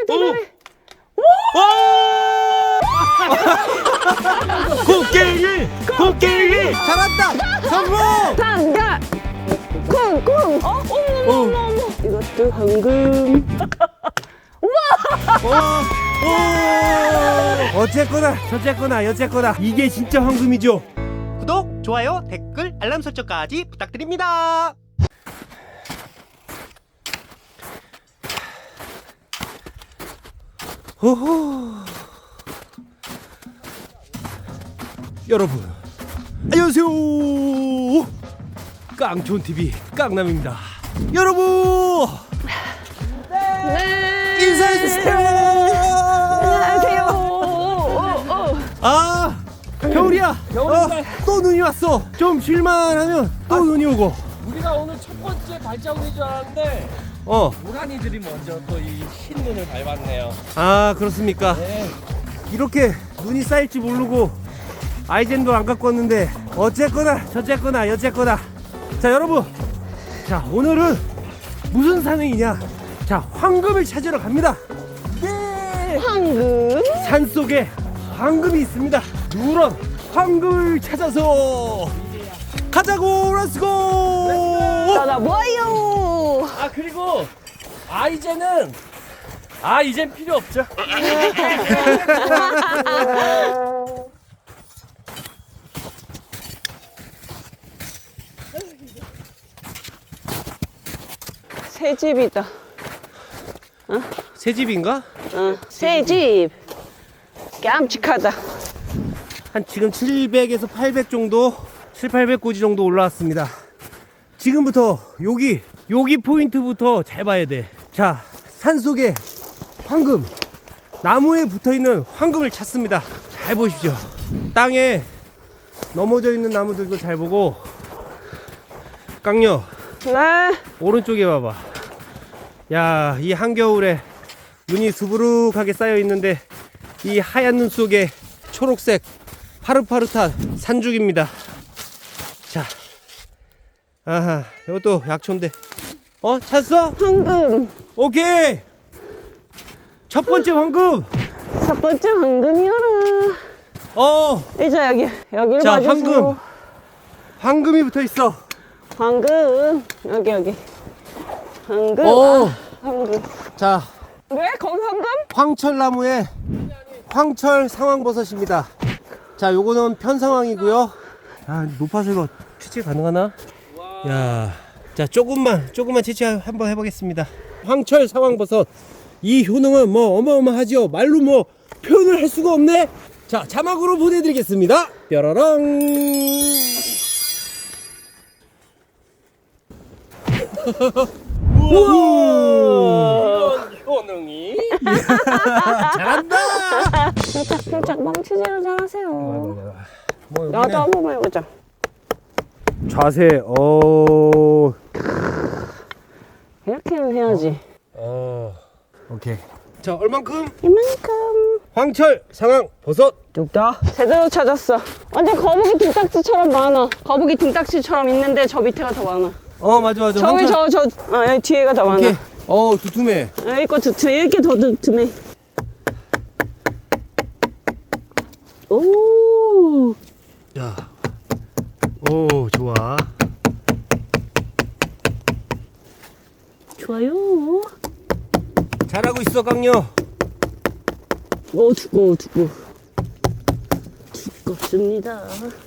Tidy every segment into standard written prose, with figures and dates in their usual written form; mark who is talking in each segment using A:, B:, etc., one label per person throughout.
A: 대단해.
B: 코끼리 잡았다. 성공.
A: 당가. 쿵쿵. 어머. 이것도 황금.
B: 어쨌거나 저쨌거나 여쨌거나 이게 진짜 황금이죠.
C: 구독, 좋아요, 댓글, 알람 설정까지 부탁드립니다.
B: 호호. 여러분 안녕하세요. 깡촌TV 깡남입니다. 여러분
A: 네.
B: 인사해주세요.
A: 안녕하세요.
B: 아 겨울이야. 또 눈이 왔어. 좀 쉴만하면 또 눈이 오고.
D: 우리가 오늘 첫 번째 발자국인 줄 알았는데 고라니들이 먼저 또 이 흰 눈을 밟았네요.
B: 아 그렇습니까?
D: 네.
B: 이렇게 눈이 쌓일지 모르고 아이젠도 안 갖고 왔는데 어쨌거나 저쨌거나 여쨌거나. 자 여러분, 자 오늘은 무슨 산행이냐? 자 황금을 찾으러 갑니다.
A: 황금.
B: 산속에 황금이 있습니다. 누런 황금을 찾아서 가자고. 렛츠고.
A: 나 뭐예요?
D: 아 그리고 이젠 필요 없죠.
A: 새 집이다.
B: 새 집인가?
A: 새 집. 깜찍하다.
B: 한 지금 700에서 800 정도, 7,800고지 정도 올라왔습니다. 지금부터 여기 포인트부터 잘 봐야 돼. 자, 산속에 황금, 나무에 붙어있는 황금을 찾습니다. 잘 보십시오. 땅에 넘어져 있는 나무들도 잘 보고. 깡녀
A: 네.
B: 오른쪽에 봐봐. 야, 이 한겨울에 눈이 수부룩하게 쌓여 있는데 이 하얀 눈 속에 초록색 파릇파릇한 산죽입니다. 자, 아하, 이것도 약초인데. 찾았어?
A: 황금.
B: 오케이. 첫 번째 황금.
A: 첫 번째 황금이어라. 이제 여기를
B: 자,
A: 봐주세요.
B: 황금이 붙어 있어.
A: 황금. 여기. 황금. 황금.
B: 자,
A: 왜? 거기 황금?
B: 황철나무에 황철 상황버섯입니다. 자, 요거는 편상황이고요. 아, 높아서 이거 채취 가능하나? 야, 자, 조금만 채취 한번 해보겠습니다. 황철 상황버섯. 이 효능은 뭐 어마어마하죠. 말로 뭐 표현을 할 수가 없네. 자, 자막으로 보내드리겠습니다. 뾰로롱. 우와!
D: 이런 효능이
B: 잘한다.
A: 살짝 망치질을 잘하세요.
B: 뭐
A: 나도
B: 여기는
A: 한 번만 해보자.
B: 자세.
A: 이렇게는 해야지.
B: 오케이. 자, 얼만큼?
A: 이만큼.
B: 황철 상황 버섯.
A: 뚝딱. 제대로 찾았어. 완전 거북이 등딱지처럼 많아. 거북이 등딱지처럼 있는데 저 밑에가 더 많아.
B: 맞아.
A: 저기 여기 뒤에가 더 많아.
B: 오케이. 두툼해.
A: 여기 거 두툼해. 이렇게 더 두툼해. 오.
B: 야. 오, 좋아.
A: 좋아요.
B: 잘하고 있어, 강녀.
A: 두껍습니다.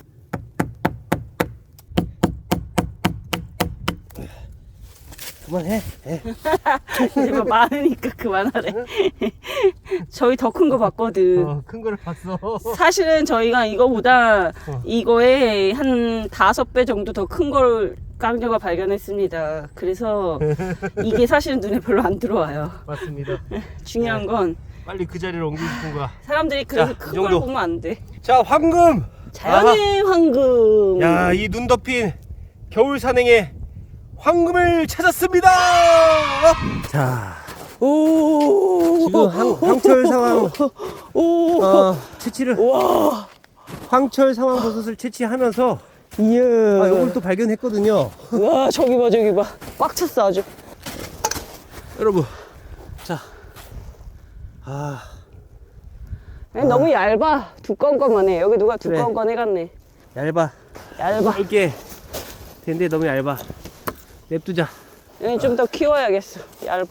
B: 그만해.
A: 이제 뭐 많으니까 그만하래. 저희 더 큰 거 봤거든.
B: 큰 거를 봤어.
A: 사실은 저희가 이거보다 이거에 한 5배 정도 더 큰 걸 깡녀가 발견했습니다. 그래서 이게 사실은 눈에 별로 안 들어와요.
B: 맞습니다.
A: 중요한 건
B: 빨리 그 자리를 옮기고 싶은 거야.
A: 사람들이 그래서
B: 자, 이
A: 큰 걸
B: 정도.
A: 보면 안 돼.
B: 자, 황금.
A: 자연의 황금.
B: 야, 이 눈 덮인 겨울 산행에 황금을 찾았습니다. 자, 지금 황철 상황 채취를. 황철 상황 버섯을 채취하면서
A: 이야.
B: 이걸 또 발견했거든요.
A: 와, 저기 봐. 꽉 찼어, 아주.
B: 여러분, 자, 아,
A: 너무 얇아. 두꺼운 것만 해. 여기 누가 두꺼운
B: 그래.
A: 건 해갔네.
B: 얇아.
A: 얇아.
B: 넓게 된데 너무 얇아. 냅두자.
A: 여기 좀 더 키워야겠어. 얇아.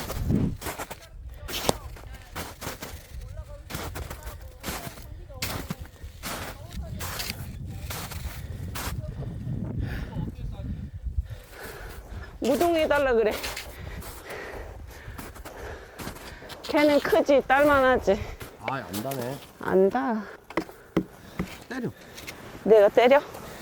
A: 무동해달라 그래. 걔는 크지, 딸만하지.
D: 아, 안다네.
A: 안다.
B: 때려.
A: 내가 때려?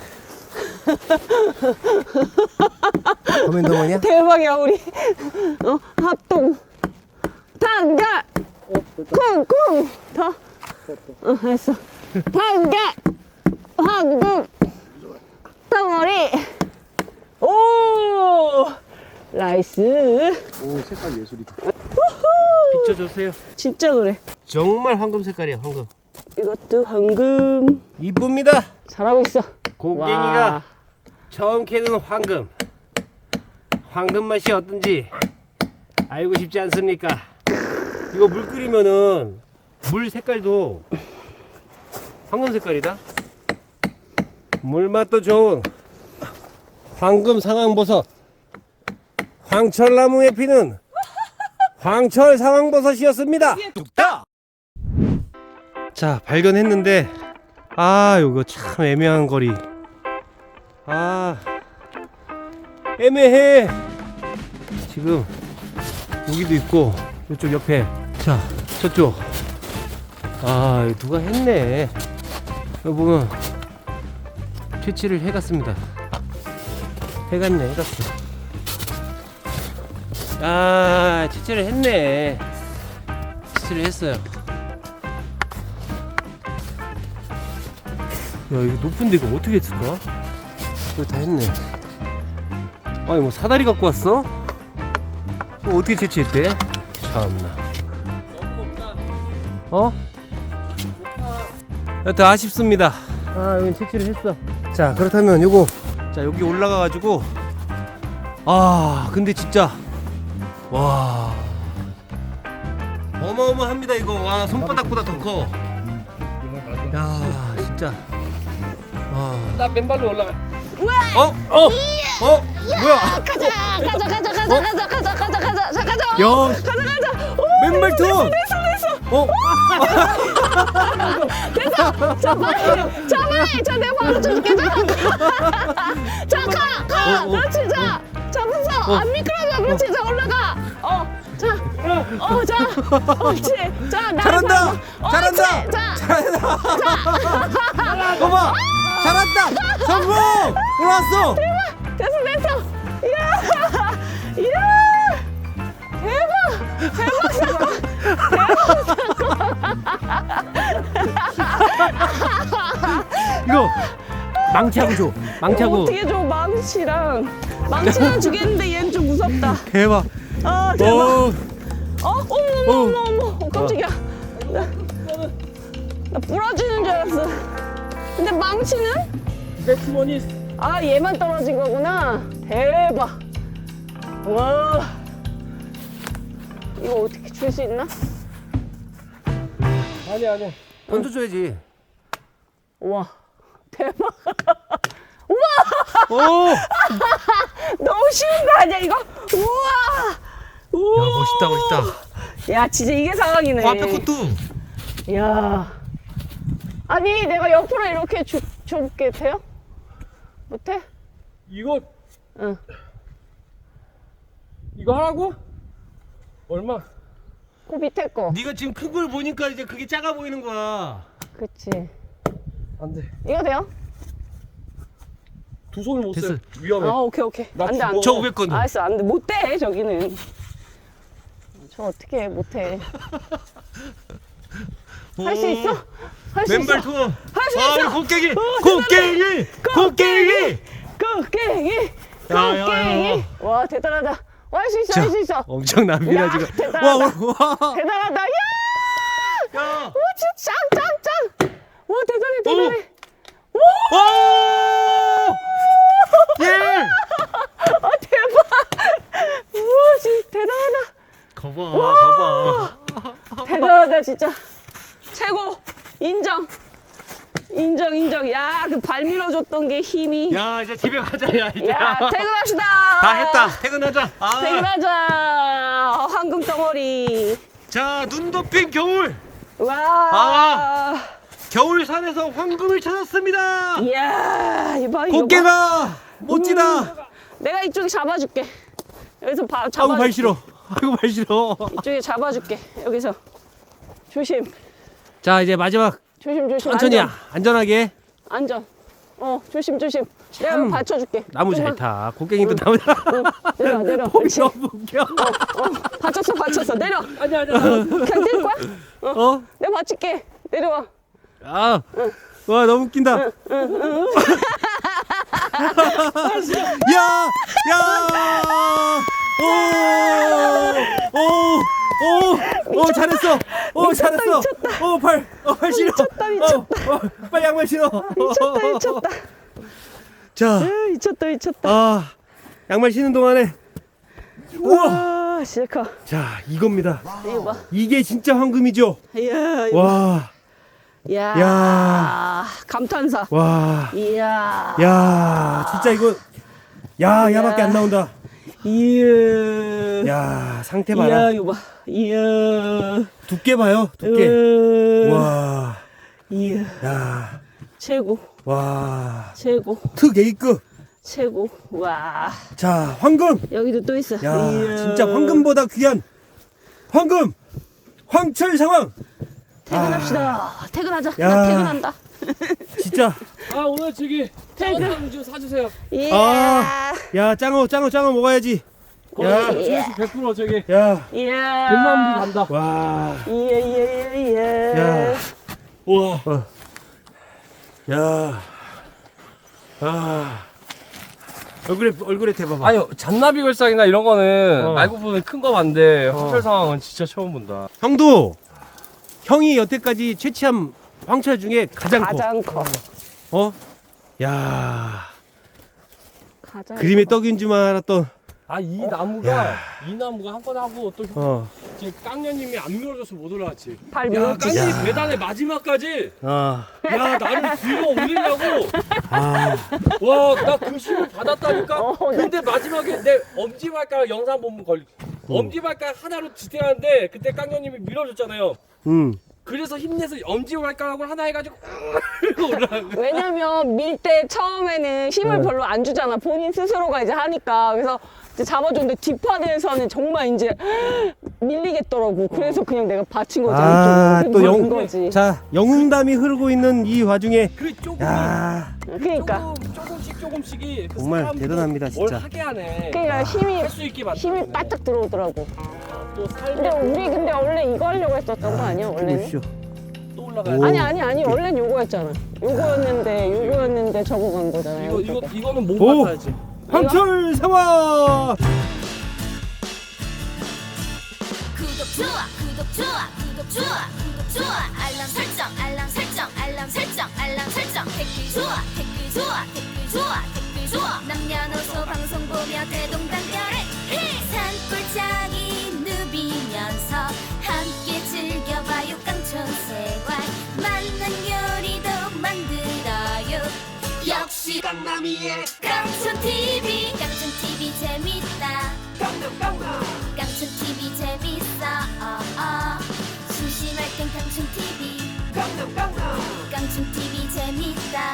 B: 커맨더머니야?
A: 대박이야 우리. 합동. 단결. 쿵쿵. 더. 했어. 단결. 황금. 덩어리. 오. 나이스.
D: 오, 색깔 예술이다.
B: 비춰주세요.
A: 진짜 그래.
B: 정말 황금 색깔이야, 황금.
A: 이것도 황금.
B: 이쁩니다.
A: 잘하고 있어.
B: 곡괭이가
A: 와.
B: 처음 캐는 황금. 황금 맛이 어떤지 알고 싶지 않습니까? 이거 물 끓이면은 물 색깔도 황금 색깔이다. 물 맛도 좋은 황금 상황버섯. 황철나무에 피는 황철 상황버섯이었습니다.
C: 뚝딱.
B: 자, 발견했는데 아, 이거 참 애매한 거리. 아, 애매해. 지금 여기도 있고 이쪽 옆에, 자, 저쪽. 아, 이거 누가 했네. 여기 보면 채취를 해갔습니다. 해갔네, 해갔어. 아, 채취를 했네. 채취를 했어요. 야, 이거 높은데 이거 어떻게 했을까? 이거 다 했네. 아니, 뭐 사다리 갖고 왔어? 이거 어떻게 채취했대? 참나. 어? 여튼 아쉽습니다. 아, 여긴 채취를 했어. 자, 그렇다면 요거, 자, 여기 올라가가지고, 아, 근데 진짜 와, 어마어마합니다. 이거. 와, 손바닥보다 더 커. 야, 진짜. 와.
D: 나 맨발로 올라가.
B: 뭐야?
A: 가자.
B: 야, 맨발 투어.
A: 내 바로 줄게. 가. 그렇지, 자. 잡았어. 안 미끄러져. 그렇지, 자, 올라가. 옳지. 자, 나
B: 잘한다.
A: 봐.
B: 잘한다.
A: 옳지, 자.
B: 잘한다. 봐봐. 잘한다. 성공. 올라왔어.
A: 됐어. 이야.
B: 이거 망치하고 줘. 망치하고.
A: 어떻게 줘, 망치랑 주겠는데 얘는 좀 무섭다.
B: 대박.
A: 아, 대박.
B: 오.
A: 어머, 깜짝이야. 나 부러지는 줄 알았어. 근데 망치는?
D: 내 주머니.
A: 아, 얘만 떨어진 거구나. 대박. 와. 이거 어떻게 줄 수 있나?
D: 아니야.
B: 던져줘야지.
A: 와, 대박.
B: 오.
A: 너무 쉬운 거 아니야, 이거? 우와.
B: 야, 멋있다.
A: 야, 진짜 이게 상황이네.
B: 앞에 것도.
A: 야. 아니, 내가 옆으로 이렇게 좁게 돼요? 못해?
D: 이거
A: 응.
D: 이거 하라고? 얼마?
A: 그 밑에 거.
B: 네가 지금 큰 걸 보니까 이제 그게 작아 보이는 거야.
A: 그치.
D: 안 돼.
A: 이거 돼요?
D: 두 손을 못
B: 됐어.
D: 써. 위험해.
A: 아, 오케이.
D: 나
A: 안 돼, 안
D: 죽어.
A: 돼.
B: 저 500건.
A: 알았어, 안 돼. 못 돼, 저기는. 저 어떻게 해, 못 해. 할 수 있어? 할 수
B: 맨발
A: 있어?
B: 투어.
A: 할 수
B: 아,
A: 있어?
B: 곡괭이.
A: 대단해.
B: 곡괭이.
A: 곡괭이. 와, 대단하다. 할 수 있어, 할 수 있어.
B: 엄청납니다,
A: 야,
B: 지금.
A: 대단하다.
B: 와.
A: 대단하다. 야!
B: 야.
A: 와, 진짜 짱. 와, 대단해.
B: 오! 예!
A: 아, 대박. 우와, 진짜 대단하다.
B: 거봐.
A: 대박. 대단하다 진짜. 최고. 인정. 인정. 야, 그 발 밀어줬던 게 힘이.
B: 야 이제 집에 가자. 야 이제
A: 야, 퇴근합시다.
B: 다 했다. 퇴근하자.
A: 퇴근하자. 황금 덩어리.
B: 자, 눈 덮인 겨울.
A: 와.
B: 겨울산에서 황금을 찾았습니다.
A: 이야, 이봐 이거.
B: 꽃게가 멋지다.
A: 내가 이쪽에 잡아줄게. 여기서
B: 아이고
A: 잡아줄게.
B: 발 싫어. 아이고 발 싫어.
A: 이쪽에 잡아줄게. 여기서. 조심.
B: 자 이제 마지막
A: 조심.
B: 천천히 안전하게.
A: 안전. 조심. 내가 받쳐줄게.
B: 나무 잘
A: 좀만.
B: 타. 곡괭이도 나무.
A: 내려.
B: 폼이
A: 그렇지.
B: 너무 웃겨.
A: 받쳤어. 내려.
D: 아니야.
A: 그냥 때릴 거야?
B: 어?
A: 내가 받칠게. 내려와.
B: 아, 와 너무 웃긴다. 야, 오, 잘했어. 잘했어. 발 신어.
A: 미쳤다.
B: 빨리 양말 신어.
A: 미쳤다.
B: 자,
A: 미쳤다.
B: 양말 신는 동안에. 우와.
A: 와, 진짜 커.
B: 자, 이겁니다.
A: 이거 봐.
B: 이게 진짜 황금이죠.
A: 이야, 이거.
B: 와,
A: 야. 감탄사.
B: 와,
A: 이야.
B: 야, 진짜 이거. 야밖에 안 나온다.
A: 이야.
B: 야, 상태 봐라.
A: 이야, 이거 봐. 이야.
B: 두께 봐요. 두께.
A: 우와.
B: 와.
A: 이야.
B: 야.
A: 최고.
B: 와.
A: 최고.
B: 특 A급.
A: 최고. 와.
B: 자, 황금.
A: 여기도 또 있어.
B: 야,
A: 이야.
B: 진짜 황금보다 귀한 황금. 황철 상황.
A: 퇴근합시다. 퇴근하자.
B: 야.
A: 나 퇴근한다.
B: 진짜.
D: 아 오늘 저기 짜장 좀 사주세요.
A: 이야.
B: 야, 짱어 먹어야지. 야.
D: 조회수 100% 저기
B: 야.
A: 이야.
D: 100만 뷰 간다.
B: 와.
A: 이야.
B: 야.
D: 우와.
B: 야. 아. 얼굴에 대봐봐.
D: 아니 잔나비 걸상이나 이런 거는
B: 어.
D: 말고 보면 큰 거 봤는데 황철 상황은 진짜 처음 본다.
B: 형이 여태까지 채취한 황철 중에 가장
A: 커.
B: 커. 야.
A: 가장
B: 그림의 떡인 줄만 알았던.
D: 아 이 나무가 한 번 하고 또 지금 깡녀님이 안 밀어줘서 못 올라갔지.
A: 발
D: 야
A: 밀었지.
D: 깡녀님 배단의 마지막까지
B: 아.
D: 야 나를 들어 올리려고
B: 아.
D: 와 나 그 힘을 받았다니까.
A: 네.
D: 근데 마지막에 내 엄지발가락 영상 보면 엄지발가락 하나로 지탱하는데 그때 깡녀님이 밀어줬잖아요. 그래서 힘내서 엄지발가락을 하나 해가지고 올라간 거야.
A: 왜냐면 밀 때 처음에는 힘을 별로 안 주잖아. 본인 스스로가 이제 하니까. 그래서 이제 잡아줬는데 뒷판에서는 정말 이제 밀리겠더라고. 그래서 그냥 내가 받친 거지.
B: 아,
A: 안쪽으로.
B: 또
A: 그런 거지.
B: 자, 영웅담이 흐르고 있는 이 와중에
D: 그 조금
B: 야,
A: 그러니까.
D: 조금씩이 그
B: 정말
D: 사람들을
B: 대단합니다,
D: 뭘
B: 진짜.
D: 하게 하네.
A: 그러니까 힘이
D: 할 수 있게 만드네.
A: 힘이 바짝 들어오더라고.
D: 또
A: 근데
D: 살면
A: 우리 원래 이거 하려고 했었던 거 아니야? 원래는?
B: 보십시오.
D: 또 올라가야
B: 오.
D: 돼.
A: 아니 원래는 요거였잖아. 요거였는데 저거 간 거잖아요.
D: 이거는 못
B: 오.
D: 받아야지.
B: 황철 상황.
E: 구독 좋아 알람 설정 댓글 좋아 남녀노소 방송 보며 대동단결해 산골짜기 누비면서 함께 즐겨봐요 깡촌생활 맛난 요리도 만들어요 역시 강남이의 깡촌TV 재밌다 깡촌TV 재밌어 심심할 땐 깡촌TV 깡촌TV 재밌다